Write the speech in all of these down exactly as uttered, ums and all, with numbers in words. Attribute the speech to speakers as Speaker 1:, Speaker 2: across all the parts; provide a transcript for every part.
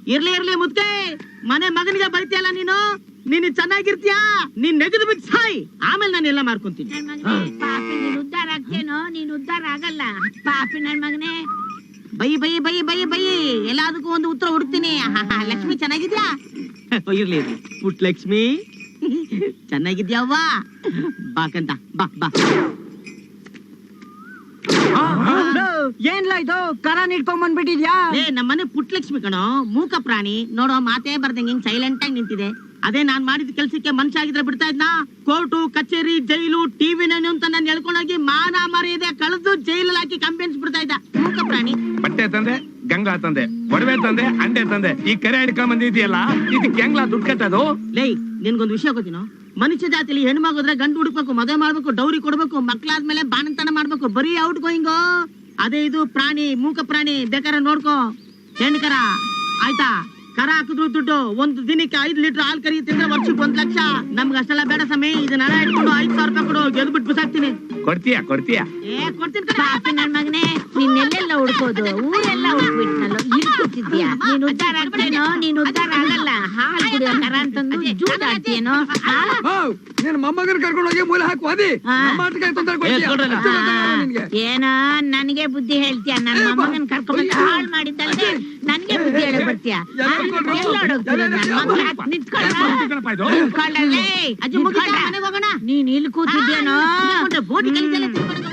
Speaker 1: ಇರ್ಲಿ ಇರ್ಲಿ ಮುದ್ದೆ ಮನೆ ಮಗನಿಗೆ ಬೈತಿಯಲ್ಲ ನೀನು ನೀನು ಚೆನ್ನಾಗಿರ್ತೀಯಾ ನೀನ್ ನೆಗದು ಬಿಟ್ಟು ಸಾಯ್ ಆಮೇಲೆ ನಾನು ಎಲ್ಲ ಮಾಡ್ಕೊಂತೀನಿ.
Speaker 2: ಪಾಪಿ ನೀನ್ ಉದ್ಧಾರ ಆಗ್ತೇನೋ ನೀನ್ ಉದ್ಧಾರ ಆಗಲ್ಲ ಪಾಪಿ ನನ್ ಮಗನೇ.
Speaker 1: Bye bye bye bye bye ಎಲ್ಲದಕ್ಕೂ ಒಂದು ಉತ್ತರ ಹುಡುಕ್ತೀನಿ. ಲಕ್ಷ್ಮಿ ಚೆನ್ನಾಗಿದ್ಯಾ? ಇರ್ಲಿ ಇರ್ಲಿ ಪುಟ್ ಲಕ್ಷ್ಮಿ ಚೆನ್ನಾಗಿದ್ಯಾವ್ವ ಬಾಕಂತ ಬಾ ಬಾ.
Speaker 3: ಏನ್ಲ ಇದು ಕರ ನಿಟ್ಕೊಂಡ್ ಬಂದ್ಬಿಟ್ಟಿದ್ಯಾ?
Speaker 1: ಏ ನಮ್ಮನೆ ಪುಟ್ ಲಕ್ಷ್ಮಿ ಕಣೋ, ಮೂಕ ಪ್ರಾಣಿ ನೋಡೋ, ಮಾತೇ ಬರ್ದಂಗೆ ಹಿಂಗ್ ಸೈಲೆಂಟ್ ಆಗಿ ನಿಂತಿದೆ. ಅದೇ ನಾನ್ ಮಾಡಿದ ಕೆಲ್ಸಕ್ಕೆ ಮನುಷ್ಯ ಆಗಿದ್ರೆ ಬಿಡ್ತಾ ಇದ್ನಾ? ಕೋರ್ಟು ಕಚೇರಿ ಜೈಲು ಟಿವಿ ನನ್ನು ಅಂತ ನಾನು ಹೇಳ್ಕೊಂಡೋಗಿ ಮಾನ ಮರ್ಯಾದೆ ಕಳೆದು ಜೈಲಲ್ಲಿ ಹಾಕಿ ಕಂಪ್ಲೇಂಟ್ಸ್ ಬಿಡ್ತಾ ಇದ್ದ ಮೂಕ ಪ್ರಾಣಿ.
Speaker 4: ಬಟ್ಟೆ ತಂದೆ, ಗಂಗಾ ತಂದೆ, ಒಡವೆ ತಂದೆ, ಅಂಡೆ ತಂದೆ, ಈ ಕೆರೆ ಹಿಡ್ಕೊಂಡ್ ಬಂದಿದ್ಯಲ್ಲ ಇದಕ್ಕೆ ಹೆಂಗ್ಲಾ ದುಡ್ಡು ಕಟ್ಟೋದು?
Speaker 1: ಲೈ ನಿನ್ಗೊಂದು ವಿಷಯ ಗೊತ್ತಿನೋ, ಮನುಷ್ಯ ಜಾತಿಲಿ ಹೆಣ್ಮಗೋದ್ರೆ ಗಂಡು ಹುಡುಕ್ಬೇಕು, ಮದುವೆ ಮಾಡ್ಬೇಕು, ಡೌರಿ ಕೊಡ್ಬೇಕು, ಮಕ್ಳಾದ್ಮೇಲೆ ಬಾಣಂತನ ಮಾಡ್ಬೇಕು, ಬರೀ ಔಟ್ ಗೋಯಿಂಗು. ಅದೇ ಇದು ಪ್ರಾಣಿ, ಮೂಕ ಪ್ರಾಣಿ, ಬೇಕಾದ್ರೆ ನೋಡ್ಕೋ. ಹೆಣ್ಣು ಕರ ಆಯ್ತಾ, ಕರ ಹಾಕಿದ್ರು ದುಡ್ಡು. ಒಂದು ದಿನಕ್ಕೆ ಐದು ಲೀಟರ್ ಹಾಲು ಕರಿ ತಿಂದ್ರೆ ವರ್ಷಕ್ಕೆ ಒಂದ್ ಲಕ್ಷ. ನಮ್ಗೆ ಅಷ್ಟೆಲ್ಲ ಬೇಡ ಸಮಯ, ಇದನ್ನ ಇಟ್ಕೊಂಡು ಐದು ಸಾವಿರ ರೂಪಾಯಿ ಕೊಡು, ಗೆದ್ದು ಬಿಟ್ಟು ಬಿಸಾಕ್ತೀನಿ.
Speaker 4: ಕೊಡ್ತೀಯಾ ಕೊಡ್ತೀಯಾ?
Speaker 1: ಏ ಕೊಡ್ತೀನಿ.
Speaker 2: ಪಾಪಿ ನನ್ ಮಗನೇ, ನಿನ್ನೆಲ್ಲೆಲ್ಲ ಹುಡ್ಕೋದು, ಊರೆಲ್ಲ ಹುಡ್ಕ್ಬಿಟ್ನಲ್ಲ, ಇಲ್ಲಿ ಕೂತಿದ್ಯಾ? ನೀನ್ ಉದ್ಧಾರ ಆಗ್ತೇನೋ ನೀನ್ ಉದ್ಧಾರ ಆಗಲ್ಲ. ಹಾಲು ಕುಡಿಯೋ ಕರ ಅಂತಂದು ಜೂಟ್ ಆಡ್ತೀಯೇನೋ?
Speaker 3: ನೀನ್ ಮೊಮ್ಮಗನ್ ಕರ್ಕೊಂಡು ಹೋಗಿ ಮೂಲೆ ಹಾಕುವ
Speaker 2: ಏನೋ ನನಗೆ ಬುದ್ಧಿ ಹೇಳ್ತೀಯ? ನನ್ ಮೊಮ್ಮಗನ್ ಕರ್ಕೊಂಡ್ ಹಾಳು ಮಾಡಿದ್ದಲ್ದೆ ನನ್ಗೆ ಬುದ್ಧಿ ಹೇಳಕ್ ಬರ್ತೀಯ? ನೀನ್ ಇಲ್ಲಿ ಕೂತಿದ್ಯೇನೋ?
Speaker 1: ಬೋಟಿ ಕೆಲಸ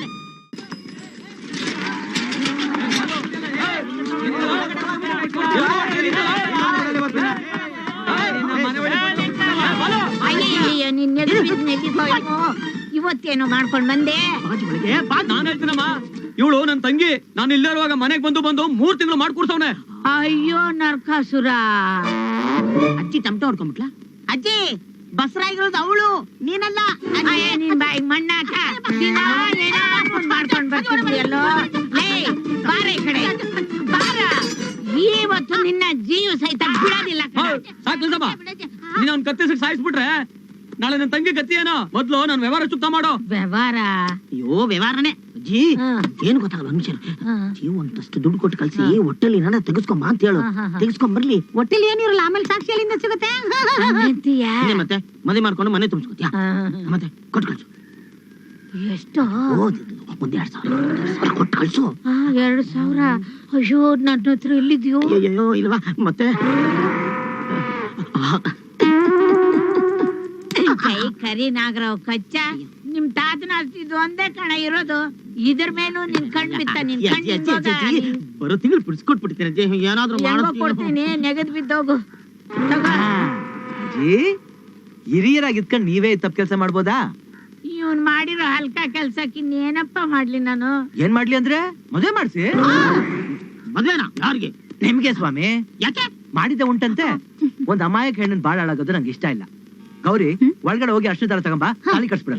Speaker 2: ಇವತ್ತೇನೋ ಮಾಡ್ಕೊಂಡ್ ಬಂದೆ.
Speaker 5: ನಾನ್ ಹೇಳ್ತೀನಮ್ಮ, ಇವಳು ನನ್ ತಂಗಿ. ನಾನು ಇಲ್ಲಿರುವಾಗ ಮನೆಗ್ ಬಂದು ಬಂದು ಮೂರ್ ತಿಂಗಳು ಮಾಡ್ಕೊಡ್ಸವ್ನೆ.
Speaker 2: ಅಯ್ಯೋ ನರಕಾಸುರ.
Speaker 1: ಅಜ್ಜಿ ಟಮಟೊ ಹೊಡ್ಕೊಂಡ್ಬಿಟ್ಲಾ? ಅಜ್ಜಿ ಬಸರಾಗಿರೋದು ಅವಳು, ನೀನಲ್ಲ.
Speaker 2: ನಿನ್ ಬಾಯಿಗೆ ಮಣ್ಣಾಕ ಮಾಡ್ಕೊಂಡ್ ಬರ್ತಿದ್ಯಲ್ಲೋ. ಬಾರ ಈ ಕಡೆ ಬಾರ. ಇವತ್ತು ನಿನ್ನ ಜೀವ ಸಹಿತ ಬಿಡೋದಿಲ್ಲ.
Speaker 5: ಸಾಕಲ್ಸಮ್ಮ, ನೀನ್ ಅವ್ನ್ ಕತ್ತಿಸಿ ಸಾಯಿಸ್ಬಿಟ್ರೆ ನಾಳೆ ನನ್ ತಂಗಿ ಗತಿ ಏನೋ? ಮೊದ್ಲು ನನ್ ವ್ಯವಹಾರ ಚುಕ್ತ ಮಾಡೋ.
Speaker 2: ವ್ಯವಹಾರ?
Speaker 1: ಅಯ್ಯೋ ವ್ಯವಹಾರನೇ ಅಜ್ಜಿ. ಏನು ಗೊತ್ತಾಗಲ್ಲ ಮನುಷ್ಯರು. ಜೀವ ಒಂದಷ್ಟು ದುಡ್ಡು ಕೊಟ್ಟು ಕಳ್ಸಿ ಹೊಟ್ಟೆಲಿ ಏನಾರ ತೆಗೆಸ್ಕೊಂಬ ಅಂತ ಹೇಳು. ತೆಗೆಸ್ಕೊಂಡ್ ಬರ್ಲಿ. ಹೊಟ್ಟೆಲಿ ಏನಿರಲ್ಲ, ಆಮೇಲೆ ಸಾಕ್ಷಿ ಎಲ್ಲಿಂದ ಸಿಗುತ್ತೆ? ಮತ್ತೆ ಮದುವೆ ಮಾಡ್ಕೊಂಡು ಮನೆ ತುಂಬಿಸ್ಕೊತೀಯ. ಮತ್ತೆ ಕೊಟ್ಟು ಕಳ್ಸು.
Speaker 2: ಎಷ್ಟು?
Speaker 1: ಒಂದ್ ಎರಡ್ ಸಾವಿರ ಕೊಟ್ಟು ಕಳ್ಸು.
Speaker 2: ಎರಡ್ ಸಾವಿರ? ಅಯ್ಯೋ ನನ್ನ ಹತ್ರ ಎಲ್ಲಿದ್ಯೋ?
Speaker 1: ಅಯ್ಯೋ ಇಲ್ವಾ? ಮತ್ತೆ
Speaker 2: ಕೈ ಕರಿ ನಾಗರಾವ್ ಕಚ್ಚ. ನಿಮ್ ತಾತನ ಅಷ್ಟಿದ್ದು ಒಂದೇ ಕಣ ಇರೋದು. ಇದ್ರ ಮೇಲೂ ನಿನ್ ಕಣ್ ಬಿತ್ತ. ನಿನ್ ಕಣ್
Speaker 1: ಬರೋ ತಿಂಗಳು ಬಿಡಿಸ್ಕೊಟ್ಬಿಡ್ತೀನಿ. ಏನಾದ್ರು
Speaker 2: ಕೊಡ್ತೀನಿ, ನೆಗದ್ ಬಿದ್ದೋಗು.
Speaker 5: ಹಿರಿಯರಾಗಿ ಇದ್ಕೊಂಡ್ ನೀವೇ ತಪ್ಪು ಕೆಲಸ ಮಾಡ್ಬೋದಾ?
Speaker 2: ಇವನ್ ಮಾಡಿರೋ ಹಲ್ಕ ಕೆಲ್ಸಕ್ಕೆ ಇನ್ನೇನಪ್ಪ ಮಾಡ್ಲಿ ನಾನು?
Speaker 5: ಏನ್ ಮಾಡ್ಲಿ ಅಂದ್ರೆ ಮದುವೆ ಮಾಡ್ಸಿ.
Speaker 1: ಮದ್ವೆನಾ? ಯಾರಿಗೆ?
Speaker 5: ನಿಮ್ಗೆ ಸ್ವಾಮಿ.
Speaker 1: ಯಾಕೆ?
Speaker 5: ಮಾಡಿದ್ದೆ ಉಂಟಂತೆ. ಒಂದ್ ಅಮಾಯಕ ಹೆಣ್ಣನ್ ಬಾಳ ಹಾಳಾಗೋದು ನಂಗೆ ಇಷ್ಟ ಇಲ್ಲ. ಗೌರಿ ಒಳಗಡೆ ಹೋಗಿ ಅಷ್ಟು ದಾರ ತಗೊಂಬ, ತಾಳಿ ಕಟ್ಸ್ಬಿಡೋಣ.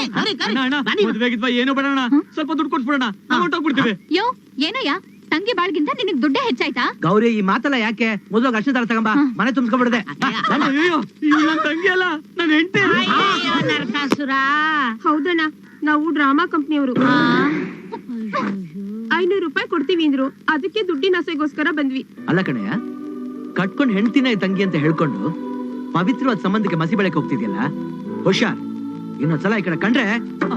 Speaker 5: ಏನು ಬೇಡಣ, ಸ್ವಲ್ಪ ದುಡ್ಡು ಕೊಟ್ಬಿಡೋಣ, ಹೊರಟೋಗ್ಬಿಡ್ತೀವಿ.
Speaker 6: ಯೋ ಏನಯ್ಯ, ತಂಗಿ ಬಾಳ್ಗಿಂತ ನಿನಗ್ ದುಡ್ಡೇ ಹೆಚ್ಚಾಯ್ತಾ?
Speaker 5: ಗೌರಿ ಈ ಮಾತಲ್ಲ ಯಾಕೆ? ಮೊದಲು ಅಷ್ಟು ದಾರ ತಗೊಂಬ, ಮನೆ ತುಂಬಿಸ್ಕೊಂಡ್ಬಿಡದೆ. ತಂಗಿ ಅಲ್ಲ, ನನ್ ಹೆಂಡತಿ.
Speaker 2: ನರಕಾಸುರ.
Speaker 6: ಹೌದಣ್ಣ, ನಾವು ಡ್ರಾಮಾ ಕಂಪ್ನಿಯವರು. ಐನೂರು ರೂಪಾಯಿ ಕೊಡ್ತೀವಿ ಅಂದ್ರು, ಅದಕ್ಕೆ ದುಡ್ಡಿನ ಆಸೆಗೋಸ್ಕರ ಬಂದ್ವಿ.
Speaker 5: ಅಲ್ಲ ಕಣಯ್ಯ, ಕಟ್ಕೊಂಡ್ ಹೆಂಡ್ತಿನ ತಂಗಿ ಅಂತ ಹೇಳ್ಕೊಂಡು ಪವಿತ್ರವಾದ ಸಂಬಂಧಕ್ಕೆ ಮಸಿ ಬೆಳಕ್ ಹೋಗ್ತಿದ್ಯಲ್ಲ, ಹುಷಾರ್. ಇನ್ನೊಂದ್ಸಲ ಈ ಕಡೆ ಕಂಡ್ರೆ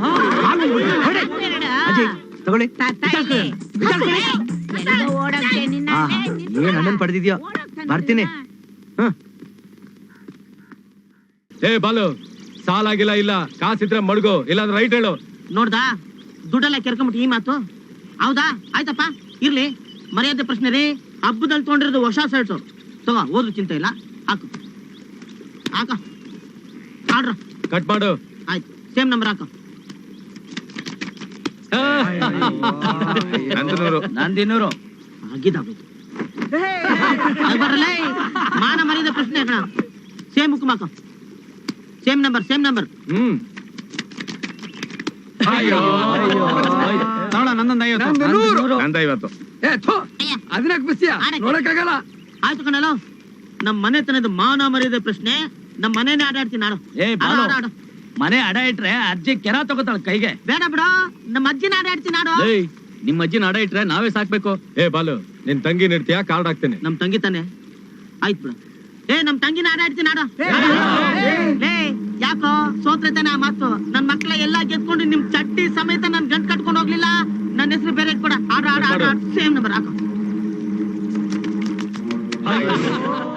Speaker 5: ಅಜಯ್ ತಗೊಳ್ಳಿ. ಏನ್ ಅಣ್ಣನ್ ಪಡೆದಿದ್ಯೋ? ಬರ್ತೀನಿ.
Speaker 4: ಏ ಬಾಲು, ಸಾಲಾಗಿಲ್ಲ ಇಲ್ಲ, ಕಾಸಿದ್ರೆ ಮಡ್ಗು, ಇಲ್ಲಾಂದ್ರೆ ರೈಟ್ ಹೇಳು.
Speaker 1: ನೋಡ್ದಾ ದುಡ್ಡೆಲ್ಲ ಕೆರ್ಕೊಂಬಿಟ್ಟು ಈ ಮಾತು? ಹೌದಾ? ಆಯ್ತಪ್ಪ, ಇರ್ಲಿ. ಮರ್ಯಾದೆ ಪ್ರಶ್ನೆ ರೀ. ಹಬ್ಬದಲ್ಲಿ ತೊಗೊಂಡಿರೋದು ಹೊಸ ಶರ್ಟು. ತಗೋ, ಓದ್ರು ಚಿಂತೆ ಇಲ್ಲ. ಹಾಕು ಹಾಕ ಆಡ್ರ.
Speaker 4: ಕಟ್ ಮಾಡು.
Speaker 1: ಆಯ್ತು, ಸೇಮ್ ನಂಬರ್ ಹಾಕ.
Speaker 5: ನಂದಿನೂರು
Speaker 1: ಆಗಿದ್ದಾಗೋಯ್ತು. ಬರಲ್ಲ, ಮಾನ ಮರ್ಯಾದೆ ಪ್ರಶ್ನೆ ಕಣ. ಸೇಮ್ ಹುಕ್ಕುಮ್ ಹಾಕ. Same number same number.
Speaker 4: ಹ್ಮ್ ನಂದೈವತ್ತು.
Speaker 3: ಅದನ್ನ ಬಿಸಿಯ ನೋಡಕ್ಕಾಗಲ್ಲ.
Speaker 1: ಆಯ್ತು ಕಣಲ್ಲ, ನಮ್ ಮನೆ ತನದ ಮಾನ ಮರ್ಯಾದೆ ಪ್ರಶ್ನೆ. ನಮ್ ಮನೇನೆ ಆಡಾಡ್ತೀನಿ ನಾನು.
Speaker 5: ಮನೆ ಅಡ ಇಟ್ರೆ ಅಜ್ಜಿ ಕೆರ ತಗೋತಾಳ ಕೈಗೆ.
Speaker 1: ಬೇಡ ಬಿಡ, ನಮ್ಮ ಅಜ್ಜಿನ ಆಡಾಡ್ತೀನಿ ನಾಡು.
Speaker 5: ನಿಮ್ ಅಜ್ಜಿನ ಅಡ ಇಟ್ರೆ ನಾವೇ ಸಾಕ್ಬೇಕು.
Speaker 4: ಏ ಬಾಲು, ನಿನ್ ತಂಗಿ ನಿಡ್ತೀಯಾ? ಕಾರ್ಡ್ ಹಾಕ್ತೇನೆ.
Speaker 1: ನಮ್ ತಂಗಿ ತಾನೆ. ಆಯ್ತು ಬಿಡು. ಏ ನಮ್ ತಂಗಿನ ಆಡ ಆಡ್ತೀನಿ ಆಡ. ಲೇ ಯಾಕೋ ಸೋತ್ರೈತಾನೆ ಆ ಮಾತು. ನನ್ ಮಕ್ಳ ಎಲ್ಲಾ ಗೆದ್ಕೊಂಡು ನಿಮ್ ಚಡ್ಡಿ ಸಮೇತ ನನ್ ಗಂಟ್ ಕಟ್ಕೊಂಡು ಹೋಗ್ಲಿಲ್ಲ. ನನ್ನ ಹೆಸರು ಬೇರೆ ಇಟ್ಕೊಡ. ಆಡ ಆಡ ಆಡ ಸೇಮ್ ನಂಬರ್ ಹಾಕೋ.